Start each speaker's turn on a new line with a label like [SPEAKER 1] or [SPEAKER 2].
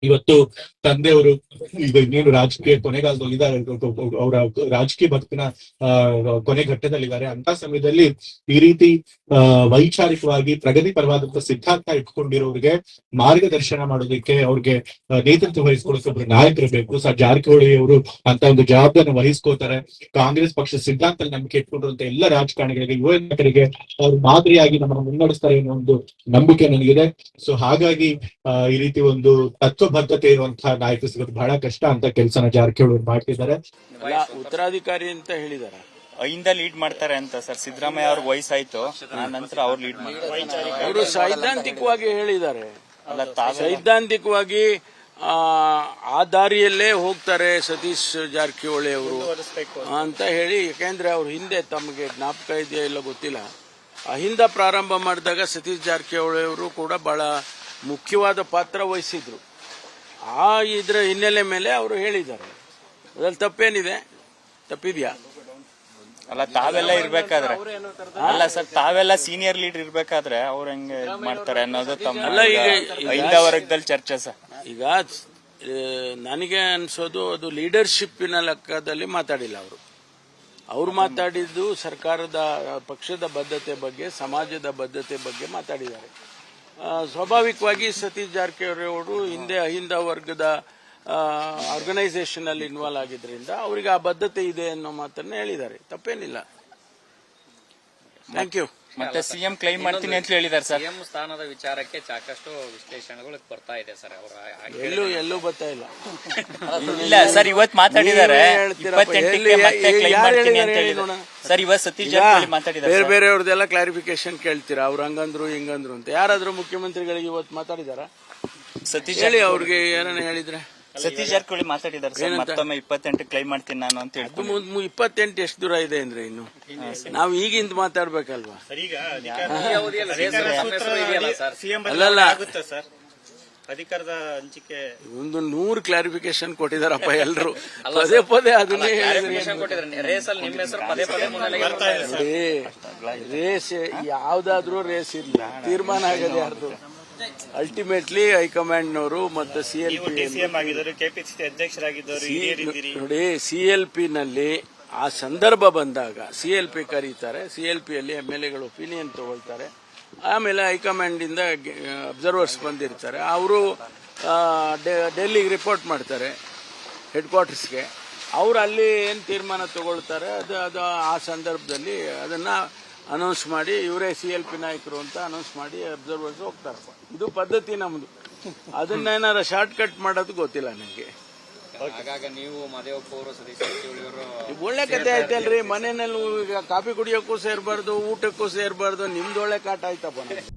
[SPEAKER 1] ಇವತ್ತು ತಂದೆಯವರು ಈಗ ಇನ್ನೇನು ರಾಜಕೀಯ ಕೊನೆಗಾಲದಲ್ಲಿದ್ದಾರೆ, ಅವರ ರಾಜಕೀಯ ಬದುಕಿನ ಕೊನೆ ಘಟ್ಟದಲ್ಲಿದ್ದಾರೆ. ಅಂತ ಸಮಯದಲ್ಲಿ ಈ ರೀತಿ ವೈಚಾರಿಕವಾಗಿ ಪ್ರಗತಿ ಪರವಾದಂತಹ ಸಿದ್ಧಾಂತ ಇಟ್ಕೊಂಡಿರೋರಿಗೆ ಮಾರ್ಗದರ್ಶನ ಮಾಡೋದಕ್ಕೆ, ಅವ್ರಿಗೆ ನೇತೃತ್ವ ವಹಿಸ್ಕೊಳ್ಳೋಕೆ ಒಬ್ರು ನಾಯಕರು ಬೇಕು. ಸರ್ ಜಾರಕಿಹೊಳಿ ಅವರು ಅಂತ ಒಂದು ಜವಾಬ್ದಾರಿ ವಹಿಸ್ಕೋತಾರೆ. ಕಾಂಗ್ರೆಸ್ ಪಕ್ಷ ಸಿದ್ಧಾಂತ ನಂಬಿಕೆ ಇಟ್ಕೊಂಡಿರುವಂತ ಎಲ್ಲ ರಾಜಕಾರಣಿಗಳಿಗೆ, ಯುವ ನಾಯಕರಿಗೆ ಅವ್ರು ಮಾದರಿಯಾಗಿ ನಮ್ಮನ್ನು ಮುನ್ನಡೆಸ್ತಾರೆ ಅನ್ನೋ ಒಂದು ನಂಬಿಕೆ ನನಗಿದೆ. ಸೊ ಹಾಗಾಗಿ ಈ ರೀತಿ ಒಂದು ತತ್ವಬದ್ಧತೆ ಇರುವಂತಹ ನಾಯಕ ಸಿಗೋದು ಬಹಳ ಕಷ್ಟ ಅಂತ ಕೆಲಸನ ಜಾರಕಿಹೊಳಿ ಮಾಡ್ತಿದ್ದಾರೆ.
[SPEAKER 2] ಉತ್ತರಾಧಿಕಾರಿ ಅಂತ ಹೇಳಿದಾರೆ,
[SPEAKER 3] ಇಂದ ಲೀಡ್ ಮಾಡ್ತಾರೆ ಅಂತ ಸರ್. ಸಿದ್ದರಾಮಯ್ಯ ಅವ್ರಿಗೆ ವಯಸ್ಸಾಯ್ತು, ನಂತರ ಅವ್ರು ಲೀಡ್ ಮಾಡ್ತಾರೆ.
[SPEAKER 2] ಅವರು ಸೈದ್ಧಾಂತಿಕವಾಗಿ ಹೇಳಿದ್ದಾರೆ, ಸೈದ್ಧಾಂತಿಕವಾಗಿ ಆ ದಾರಿಯಲ್ಲೇ ಹೋಗ್ತಾರೆ ಸತೀಶ್ ಜಾರಕಿಹೊಳಿ ಅವರು ಅಂತ ಹೇಳಿ. ಯಾಕೆಂದ್ರೆ ಅವ್ರ ಹಿಂದೆ ತಮಗೆ ಜ್ಞಾಪಕ ಇದೆಯಾ ಇಲ್ಲ ಗೊತ್ತಿಲ್ಲ, ಅಹಿಂದ ಪ್ರಾರಂಭ ಮಾಡಿದಾಗ ಸತೀಶ್ ಜಾರಕಿಹೊಳಿ ಅವರು ಕೂಡ ಬಹಳ ಮುಖ್ಯವಾದ ಪಾತ್ರ ವಹಿಸಿದ್ರು. ಆ ಇದ್ರ ಹಿನ್ನೆಲೆ ಮೇಲೆ ಅವರು ಹೇಳಿದ್ದಾರೆ. ಅದ್ರಲ್ಲಿ ತಪ್ಪೇನಿದೆ? ತಪ್ಪಿದ್ಯಾ?
[SPEAKER 3] ಅಲ್ಲ, ತಾವೆಲ್ಲ ಇರ್ಬೇಕಾದ್ರೆ ಅಲ್ಲ ಸರ್, ತಾವೆಲ್ಲ ಸೀನಿಯರ್ ಲೀಡರ್ ಇರ್ಬೇಕಾದ್ರೆ ಅವ್ರು ಹೆಂಗೆ ಮಾಡ್ತಾರೆ ಅನ್ನೋದು ತಮ್ಮ ಅಹಿಂದ ವರ್ಗದಲ್ಲಿ ಚರ್ಚೆ ಸರ್.
[SPEAKER 2] ಈಗ ನನಗೆ ಅನ್ಸೋದು ಅದು ಲೀಡರ್ಶಿಪ್ಪಿನ ಲೆಕ್ಕದಲ್ಲಿ ಮಾತಾಡಿಲ್ಲ ಅವರು. ಅವ್ರು ಮಾತಾಡಿದ್ದು ಸರ್ಕಾರದ ಪಕ್ಷದ ಬದ್ಧತೆ ಬಗ್ಗೆ, ಸಮಾಜದ ಬದ್ಧತೆ ಬಗ್ಗೆ ಮಾತಾಡಿದ್ದಾರೆ. ಸ್ವಾಭಾವಿಕವಾಗಿ ಸತೀಶ್ ಜಾರಕಿಹೊಳಿ ಅವರು ಹಿಂದೆ ಅಹಿಂದ ವರ್ಗದ ಆರ್ಗನೈಸೇಷನ್ ಅಲ್ಲಿ ಇನ್ವಾಲ್ವ್ ಆಗಿದ್ರಿಂದ ಅವರಿಗೆ ಆ ಬದ್ಧತೆ ಇದೆ ಅನ್ನೋ ಮಾತನ್ನ ಹೇಳಿದ್ದಾರೆ. ತಪ್ಪೇನಿಲ್ಲ. Thank you.
[SPEAKER 3] ಮತ್ತೆ ಸಿಎಂ ಕ್ಲೈಮ್ ಮಾಡ್ತೀನಿ ಅಂತ ಹೇಳಿದ್ದಾರೆ ಸರ್.
[SPEAKER 4] ಸಿಎಂ ಸ್ಥಾನದ ವಿಚಾರಕ್ಕೆ ಸಾಕಷ್ಟು ವಿಶ್ಲೇಷಣೆಗಳು ಬರ್ತಾ ಇದೆ ಸರ್.
[SPEAKER 2] ಎಲ್ಲೂ ಬರ್ತಾ ಇಲ್ಲ.
[SPEAKER 3] ಇಲ್ಲ ಸರ್, ಇವತ್ತು ಮಾತಾಡಿದ್ದಾರೆ 28ಕ್ಕೆ ಮತ್ತೆ ಕ್ಲೈಮ್ ಮಾಡ್ತೀನಿ ಅಂತ ಹೇಳಿದ್ರು ಸರ್. ಇವತ್ತು ಸತೀಶ್ ಜಾರಕಿಹೊಳಿ ಮಾತಾಡಿದ್ದಾರೆ.
[SPEAKER 2] ಬೇರೆ ಬೇರೆಯವ್ರದೆಲ್ಲ ಕ್ಲಾರಿಫಿಕೇಶನ್ ಕೇಳ್ತೀರಾ, ಅವ್ರು ಹಂಗಂದ್ರು ಹಿಂಗಂದ್ರು ಅಂತ. ಯಾರಾದ್ರೂ ಮುಖ್ಯಮಂತ್ರಿಗಳಿಗೆ ಇವತ್ತು ಮಾತಾಡಿದಾರ?
[SPEAKER 3] ಸತೀಶ್
[SPEAKER 2] ಹೇಳಿ, ಅವ್ರಿಗೆ ಏನನ್ನ ಹೇಳಿದ್ರೆ?
[SPEAKER 3] ಸತೀಶ್ ಜಾರಕಿಹೊಳಿ ಮಾತಾಡಿದ್ದಾರೆ ಸರ್, ಮತ್ತೊಮ್ಮೆ 28 ಕ್ಲೈಮ್ ಮಾಡ್ತೀನಿ ನಾನು ಅಂತ ಹೇಳಿ.
[SPEAKER 2] 28 ಎಷ್ಟು ದೂರ ಇದೆ ಅಂದ್ರೆ ಇನ್ನು ನಾವು ಈಗಿಂದ ಮಾತಾಡ್ಬೇಕಲ್ವಾ? ಅಲ್ಲಲ್ಲ,
[SPEAKER 5] ಅಧಿಕಾರದ ಹಂಚಿಕೆ
[SPEAKER 2] ಒಂದು 100 ಕ್ಲಾರಿಫಿಕೇಶನ್ ಕೊಟ್ಟಿದಾರಪ್ಪ ಎಲ್ರು. ಪದೇ ಪದೇ ಅದನ್ನೇ ರೇಸ್ ಯಾವ್ದಾದ್ರೂ ರೇಸ್ ಇಲ್ಲ, ತೀರ್ಮಾನ ಆಗದೆ ಯಾರ್ದು. ಅಲ್ಟಿಮೇಟ್ಲಿ ಹೈಕಮಾಂಡ್ನವರು ಮತ್ತು ನೋಡಿ, CLP ನಲ್ಲಿ ಆ ಸಂದರ್ಭ ಬಂದಾಗ CLP ಕರೀತಾರೆ, CLP ಅಲ್ಲಿ MLAಗಳು ಒಪಿನಿಯನ್ ತಗೊಳ್ತಾರೆ. ಆಮೇಲೆ ಹೈಕಮಾಂಡ್ ಇಂದ ಅಬ್ಸರ್ವರ್ಸ್ ಬಂದಿರ್ತಾರೆ, ಅವರು ಡೆಲ್ಲಿಗೆ ರಿಪೋರ್ಟ್ ಮಾಡ್ತಾರೆ ಹೆಡ್ ಕ್ವಾರ್ಟರ್ಸ್ಗೆ. ಅವರು ಅಲ್ಲಿ ಏನು ತೀರ್ಮಾನ ತಗೊಳ್ತಾರೆ ಅದು ಆ ಸಂದರ್ಭದಲ್ಲಿ ಅದನ್ನ ಅನೌನ್ಸ್ ಮಾಡಿ, ಇವರೇ CLP ನಾಯಕರು ಅಂತ ಅನೌನ್ಸ್ ಮಾಡಿ ಅಬ್ಸರ್ವರ್ಸ್ ಹೋಗ್ತಾರೆ. ಇದು ಪದ್ಧತಿ ನಮ್ದು. ಅದನ್ನೇನಾರ ಶಾರ್ಟ್ ಕಟ್ ಮಾಡೋದು ಗೊತ್ತಿಲ್ಲ ನನಗೆ. ಒಳ್ಳೆ ಕತೆ ಆಯ್ತಲ್ರಿ. ಮನೆಯಲ್ಲಿ ಕಾಫಿ ಕುಡಿಯೋಕ್ಕೂ ಸೇರ್ಬಾರ್ದು, ಊಟಕ್ಕೂ ಸೇರ್ಬಾರ್ದು. ನಿಮ್ದು ಒಳ್ಳೆ ಕಾಟ ಆಯ್ತಪ್ಪ.